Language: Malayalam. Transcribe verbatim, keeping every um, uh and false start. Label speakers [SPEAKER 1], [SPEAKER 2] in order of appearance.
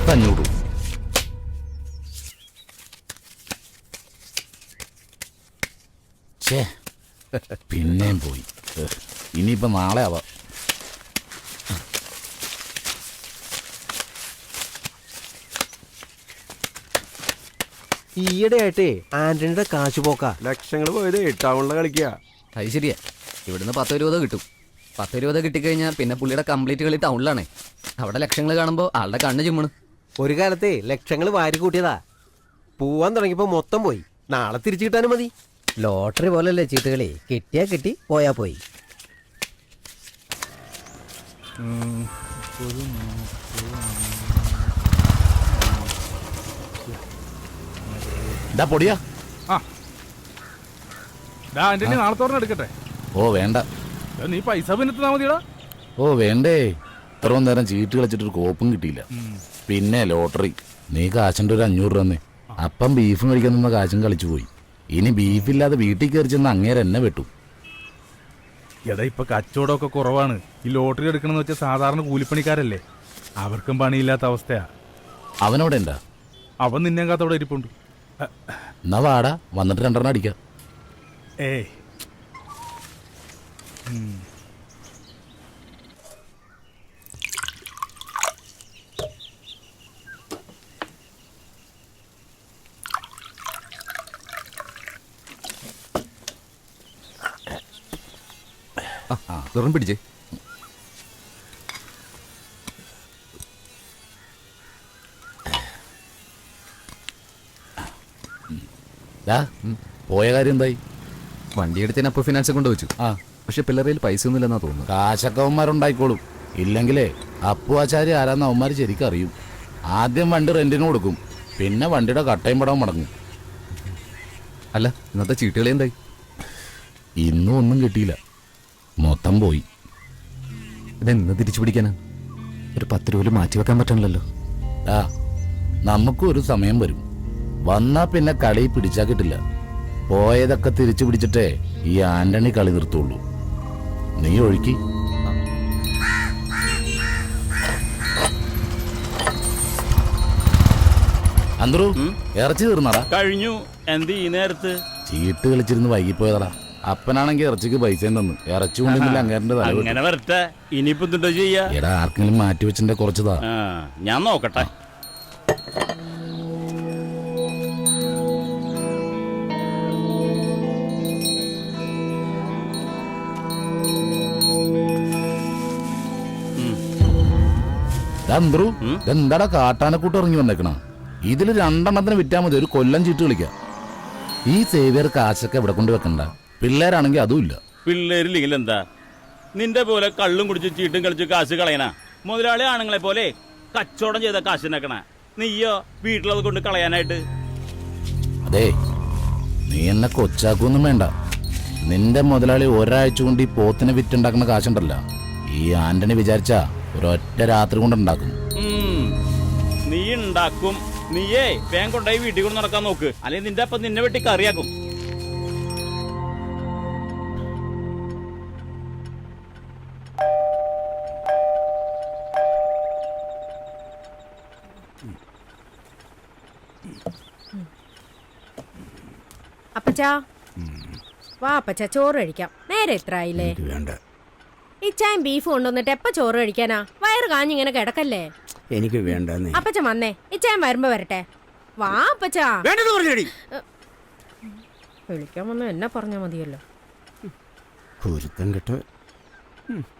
[SPEAKER 1] പത്തഞ്ഞൂറ്. ഛേ, പിന്നെയും പോയി. ഇനിയിപ്പോ നാളെ ആവാം.
[SPEAKER 2] ഈയിടെ ആയിട്ടേ ആന്റണിയുടെ കാശ് പോക്കാ. ലക്ഷങ്ങൾ പോയത് ടൗണിലെ കളിക്കുക.
[SPEAKER 3] അത് ശരിയാ. ഇവിടുന്ന് പത്തോ ഇരുപതോ കിട്ടും. പത്തോ ഇരുപതോ കിട്ടിക്കഴിഞ്ഞാൽ പിന്നെ പുള്ളിയുടെ കംപ്ലീറ്റ് കളി ടൗണിലാണേ. അവിടെ ലക്ഷങ്ങൾ കാണുമ്പോൾ ആളുടെ കണ്ണ് ചിമ്മണ്.
[SPEAKER 2] ഒരു കാലത്തെ ലക്ഷങ്ങൾ വാരി കൂട്ടിയതാ. പോവാൻ തുടങ്ങിയപ്പോ മൊത്തം പോയി. നാളെ തിരിച്ചു കിട്ടാനും മതി.
[SPEAKER 4] ലോട്ടറി പോലല്ലേ ചീട്ടുകളി. കിട്ടിയാ കിട്ടി, പോയാ പോയി.
[SPEAKER 1] പൊടിയാ.
[SPEAKER 5] നാളത്തോടെ എടുക്കട്ടെ.
[SPEAKER 1] ഓ വേണ്ട,
[SPEAKER 5] നീ പൈസ പിന്നെത്താ മതിയടാ.
[SPEAKER 1] ഓ വേണ്ടേ. ഇത്രയും നേരം ചീട്ട് കളിച്ചിട്ടൊരു കോപ്പും കിട്ടിയില്ല. പിന്നെ ലോട്ടറി. നീ കാശിൻ്റെ ഒരു അഞ്ഞൂറ് രൂപ തന്നെ. അപ്പം ബീഫും കഴിക്കാൻ നിന്ന കാശും കളിച്ചു പോയി. ഇനി ബീഫില്ലാതെ വീട്ടിൽ കയറി ചെന്ന് അങ്ങേരെ എന്നെ വെട്ടു.
[SPEAKER 5] എടാ ഇപ്പൊ കച്ചവടമൊക്കെ കുറവാണ്. ഈ ലോട്ടറി എടുക്കണമെന്ന് വെച്ചാൽ സാധാരണ കൂലിപ്പണിക്കാരല്ലേ, അവർക്കും പണിയില്ലാത്ത അവസ്ഥയാ.
[SPEAKER 1] അവനവിടെ ഉണ്ടാ?
[SPEAKER 5] അവൻ നിന്നെ കാത്തവിടെ ഇരിപ്പുണ്ട്.
[SPEAKER 1] എന്നാ വാടാ, വന്നിട്ട് രണ്ടെണ്ണം അടിക്കാം.
[SPEAKER 5] ഏയ്
[SPEAKER 3] തുറന്ന് പിടിച്ചേ.
[SPEAKER 1] പോയ കാര്യം എന്തായി?
[SPEAKER 3] വണ്ടി എടുത്തതിന് അപ്പൊ ഫിനാൻസ് കൊണ്ട് വെച്ചു.
[SPEAKER 1] ആ,
[SPEAKER 3] പക്ഷെ പിള്ളേരിൽ പൈസ ഒന്നുമില്ലെന്നാ തോന്നുന്നു.
[SPEAKER 1] കാശക്കവന്മാരുണ്ടായിക്കോളും. ഇല്ലെങ്കിലേ അപ്പുവാച്ചാരി ആരാന്ന് അവന്മാർ ശരിക്കും അറിയും. ആദ്യം വണ്ടി റെന്റിന് കൊടുക്കും, പിന്നെ വണ്ടിയുടെ കട്ടയും പടവും മടങ്ങും.
[SPEAKER 3] അല്ല, ഇന്നത്തെ ചീട്ടുകളി എന്തായി?
[SPEAKER 1] ഇന്നും ഒന്നും കിട്ടിയില്ല, മൊത്തം പോയി.
[SPEAKER 3] ഇതെന്ന് തിരിച്ചു പിടിക്കാനാ? ഒരു പത്ത് രൂപ മാറ്റി വെക്കാൻ പറ്റണല്ലോ.
[SPEAKER 1] ആ, നമുക്കും ഒരു സമയം വരും. വന്നാ പിന്നെ കളി പിടിച്ചാ കിട്ടില്ല. പോയതൊക്കെ തിരിച്ചു പിടിച്ചിട്ടേ ഈ ആന്റണി കളി നിർത്തുള്ളൂ. നീ ഒഴുക്കി. അന്തരു, ഇറച്ചി തീർന്നടാ.
[SPEAKER 6] കഴിഞ്ഞു. എന്ത് ഈ നേരത്ത്?
[SPEAKER 1] ചീട്ട് കളിച്ചിരുന്ന് വൈകിപ്പോയതാടാ. അപ്പനാണെങ്കിൽ ഇറച്ചിക്ക് പൈസ തന്നു. ഇറച്ചി കൊണ്ടില്ല അങ്ങേരന്റെ തല.
[SPEAKER 6] അങ്ങനെ വരട്ടെ. ഇനിയിപ്പോ എന്താ ചെയ്യാ?
[SPEAKER 1] എടാ, ആർക്കെങ്കിലും മാറ്റി വെച്ചിന്റെ കുറച്ചതാ.
[SPEAKER 6] ഞാൻ നോക്കട്ടെ.
[SPEAKER 1] അന്തരു, എന്താടാ കാട്ടാനക്കൂട്ട് ഇറങ്ങി വന്നേക്കണ? ഇതില് രണ്ടെണ്ണത്തിന് വിറ്റാ മതി ഒരു കൊല്ലം ചീട്ട് കളിക്കാം. ഈ സേവിയർ കാശൊക്കെ ഇവിടെ കൊണ്ട് വെക്കണ്ട. പിള്ളേരാണെങ്കിൽ അതും ഇല്ല.
[SPEAKER 6] പിള്ളേരില്ലെങ്കിൽ എന്താ? നിന്റെ പോലെ കള്ളും കുടിച്ച് ചീട്ടും കളിച്ച് കാശ് കളയണ മുതലാളി ആണുങ്ങളെ പോലെ കച്ചവടം ചെയ്ത കാശ് ഉണ്ടാക്കണ നീയോ വീട്ടിലത് കൊണ്ട് കളയാനായിട്ട്?
[SPEAKER 1] അതെ, നീ എന്നെ കൊച്ചാക്കൊന്നും വേണ്ട. നിന്റെ മുതലാളി ഒരാഴ്ച കൊണ്ട് ഈ പോത്തിനെ വിറ്റുണ്ടാക്കുന്ന കാശുണ്ടല്ലോ, ഈ ആന്റണി വിചാരിച്ചാ ഒരൊറ്റ രാത്രി കൊണ്ട് ഉണ്ടാക്കും.
[SPEAKER 6] നീ ഉണ്ടാക്കും. നീയേ വേഗം കൊണ്ടായി വീട്ടിൽ കൊണ്ട് നടക്കാൻ നോക്ക്, അല്ലെങ്കിൽ നിന്റെ അപ്പം നിന്നെ വെട്ടി കറിയാക്കും.
[SPEAKER 7] അപ്പച്ചാ വാ അപ്പച്ചാ, ചോറ് കഴിക്കാം. നേരെ എത്ര ആയില്ലേ? ഇച്ചായും ബീഫ് കൊണ്ടുവന്നിട്ട് എപ്പ ചോറ് കഴിക്കാനാ? വയറ് കാഞ്ഞിങ്ങനെ കിടക്കല്ലേ?
[SPEAKER 4] എനിക്ക് വേണ്ട.
[SPEAKER 7] അപ്പച്ച വന്നേ, ഇച്ചായം വരുമ്പോ വരട്ടെ. വാ അപ്പച്ചാ. വിളിക്കാൻ വന്ന എന്നെ പറഞ്ഞാ മതിയല്ലോ.
[SPEAKER 4] കേട്ടോ.